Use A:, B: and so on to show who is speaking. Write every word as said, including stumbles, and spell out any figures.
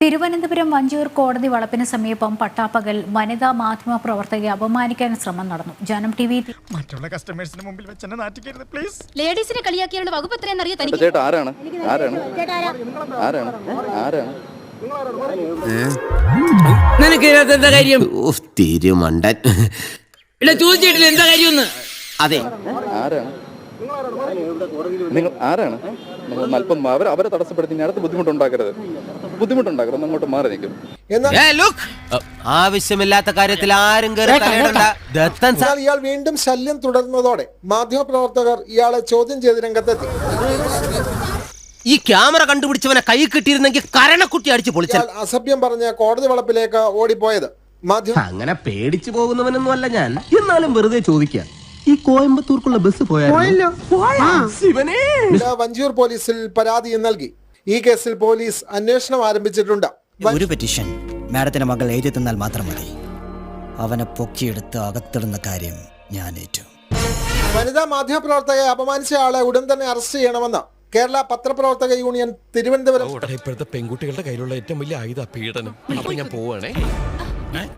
A: തിരുവനന്തപുരം വഞ്ചിയൂർ കോടതി വളപ്പിന് സമീപം പട്ടാപ്പകൽ വനിതാ മാധ്യമ പ്രവർത്തകയെ അപമാനിക്കാൻ ശ്രമം നടന്നു. ജനം ടി വി
B: മറ്റുള്ള കസ്റ്റമേഴ്സിന് മുമ്പിൽ വെച്ച് എന്നെ നാറ്റിക്കരുത് പ്ലീസ്.
C: ലേഡീസിനെ കളിയാക്കിയുള്ള വകുപ്പ് എത്രയെന്ന് അറിയാൻ തനിക്ക്
D: ചേട്ടാ ആരാണ് ആരാണ് ആരാണ് ആരാണ്
E: നിനക്ക് ഇതിനകത്ത് എന്താ കാര്യം?
F: തിരുമണ്ടൻ
E: ഇവിടെ ചോദിച്ചിട്ടില്ല എന്താ കാര്യമെന്ന്.
F: അതെ
D: ആരാണ് നിങ്ങൾ ആരാണ് നിങ്ങൾ അല്പം അവർ അവരെ തടസ്സപ്പെടുത്തി ഇനി അടുത്ത് ബുദ്ധിമുട്ടുണ്ടാക്കരുത് ബുദ്ധിമുട്ടുണ്ടാക്കരുത് അങ്ങോട്ട് മാറി നിൽക്കും.
F: ഏ, look. ആവശ്യമില്ലാത്ത കാര്യത്തിൽ ആരും കയറി തലയിടണ്ട. ദത്തൻ സാർ
G: എന്നാൽ ഇയാൾ വീണ്ടും ശല്യം തുടർന്നതോടെ മാധ്യമപ്രവർത്തകർ ഇയാളെ ചോദ്യം ചെയ്ത് രംഗത്തെത്തി.
F: ഈ ക്യാമറ കണ്ടുപിടിച്ചവനെ കൈ കിട്ടിയിരുന്നെങ്കിൽ കരണക്കുട്ടി അടിച്ച് പൊളിച്ച.
G: ഇയാൾ അസഭ്യം പറഞ്ഞ് കോടതി വളപ്പിലേക്ക് ഓടിപ്പോയത് മാധ്യമ
H: അങ്ങനെ പേടിച്ചു പോകുന്നവനൊന്നും അല്ല ഞാൻ. എന്നാലും വെറുതെ ചോദിക്കാം, ഈ കോയമ്പത്തൂർക്കുള്ള ബസ് പോയാലോ?
G: വഞ്ചിയൂർ പോലീസിൽ പരാതിയും നൽകി. ഈ കേസിൽ പോലീസ് അന്വേഷണം ആരംഭിച്ചിട്ടുണ്ട്.
I: ഒരു പെറ്റീഷൻ മാഡത്തിന്റെ മകൾ എഴുതി തന്നാൽ മാത്രം മതി. അവനെ പൊക്കിയെടുത്ത് അകത്തിടുന്ന കാര്യം ഞാൻ ഏറ്റു.
G: വനിതാ മാധ്യമപ്രവർത്തകയെ അപമാനിച്ച ആളെ ഉടൻ തന്നെ അറസ്റ്റ് ചെയ്യണമെന്ന് കേരള പത്രപ്രവർത്തക യൂണിയൻ തിരുവനന്തപുരം.
J: ഇപ്പോഴത്തെ പെൺകുട്ടികളുടെ കയ്യിലുള്ള ഏറ്റവും വലിയ ആയുധ പീഡനം. അപ്പൊ ഞാൻ പോവാണേ.